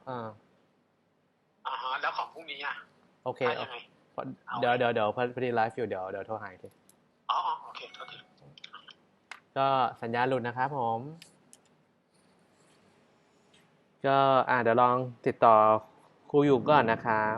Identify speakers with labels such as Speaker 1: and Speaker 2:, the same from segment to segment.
Speaker 1: แล้วของพรุ่งนี้อ่ะ
Speaker 2: โอเค
Speaker 1: ยังไง
Speaker 2: เดี๋ยวพอดีไลฟ์อยู่เดี๋ยวโทรหาที
Speaker 1: โอเค
Speaker 2: ก็สัญญาณหลุดนะครับผมก็เดี๋ยวลองติดต่อครูอยู่ก่อนนะครับ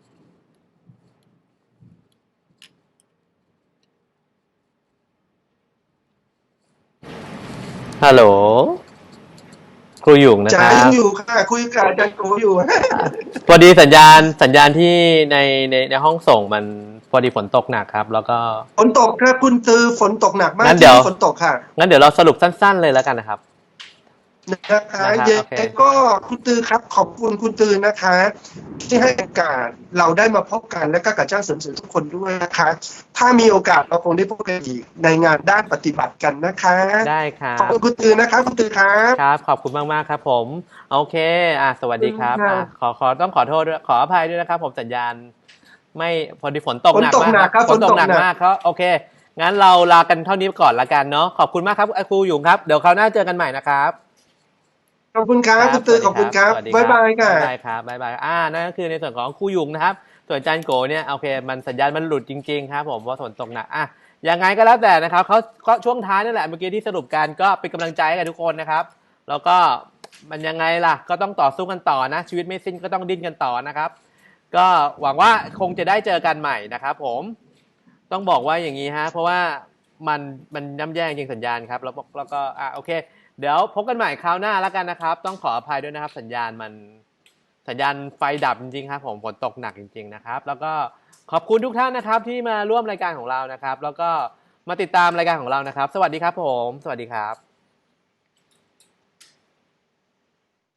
Speaker 2: ฮัลโหลครูอยู่นะค
Speaker 3: จ๋า
Speaker 2: รับ
Speaker 3: ยังอยู่ค่ะคุยกับอาจารย์โกอยู่
Speaker 2: พอดีสัญญาณที่ในห้องส่งมันพอดีฝนตกหนักครับแล้วก็
Speaker 3: ฝนตกครับคุณตือฝนตกหนักมาก
Speaker 2: งั้น
Speaker 3: ที่นี่ฝนตกค่ะ
Speaker 2: งั้นเดี๋ยวเราสรุปสั้นๆเลยแล้วกันนะครับ
Speaker 3: นะคะ
Speaker 2: โอ
Speaker 3: ยัง
Speaker 2: เค
Speaker 3: ก็คุณตือครับขอบคุณคุณตือนะคะ ที่ให้โอกาสเราได้มาพบกันและก็กับเจ้าเสริมสวยทุกคนด้วยนะคะถ้ามีโอกาสเราคงได้พบกันอีกในงานด้านปฏิบัติกันนะคะ
Speaker 2: ได้ครั
Speaker 3: ขอบ
Speaker 2: บ
Speaker 3: คุณคุณตือนะครับคุณตือครับ
Speaker 2: ครับขอบคุณมากๆครับผมโอเคสวัสดีครับต้องขอโทษด้วยขออภัยด้วยนะครับผมสัญญาณไม่พอดีฝนตกหนักมากครับฝนตกหนักมากครับโอเคงั้นเราลากันเท่านี้ก่อนละกันเนาะขอบคุณมากครับครูหยุ่งครับเดี๋ยวคราวหน้าเจอกันใหม่นะครับ
Speaker 3: ขอบคุณครับคุณตือขอบคุณครับบ๊ายบายค่ะ
Speaker 2: บ๊ายบายครับบ๊ายบายนั่นก็คือในส่วนของครูหยุ่งนะครับส่วนอาจารย์โกเนี่ยโอเคมันสัญญาณมันหลุดจริงๆครับผมว่าฝนตกหนักยังไงก็แล้วแต่นะครับเขาก็ช่วงท้ายนั่นแหละเมื่อกี้ที่สรุปกันก็เป็นกำลังใจให้กับทุกคนนะครับแล้วก็มันยังไงล่ะก็ต้องต่อสู้กันต่อนะชีวิตไม่สิ้นก็ต้องดิ้นกันต่อนะครับก็หวังว่าคงจะได้เจอกันใหม่นะครับผมต้องบอกว่าอย่างนี้ฮะเพราะว่ามันย่ำแย่จริงสัญญาณครับแล้วก็โอเคเดี๋ยวพบกันใหม่คราวหน้าแล้วกันนะครับต้องขออภัยด้วยนะครับสัญญาณไฟดับจริงๆครับผมฝนตกหนักจริงๆนะครับแล้วก็ขอบคุณทุกท่านนะครับที่มาร่วมรายการของเรานะครับแล้วก็มาติดตามรายการของเรานะครับสวัสดีครับผมสวัสดีครับ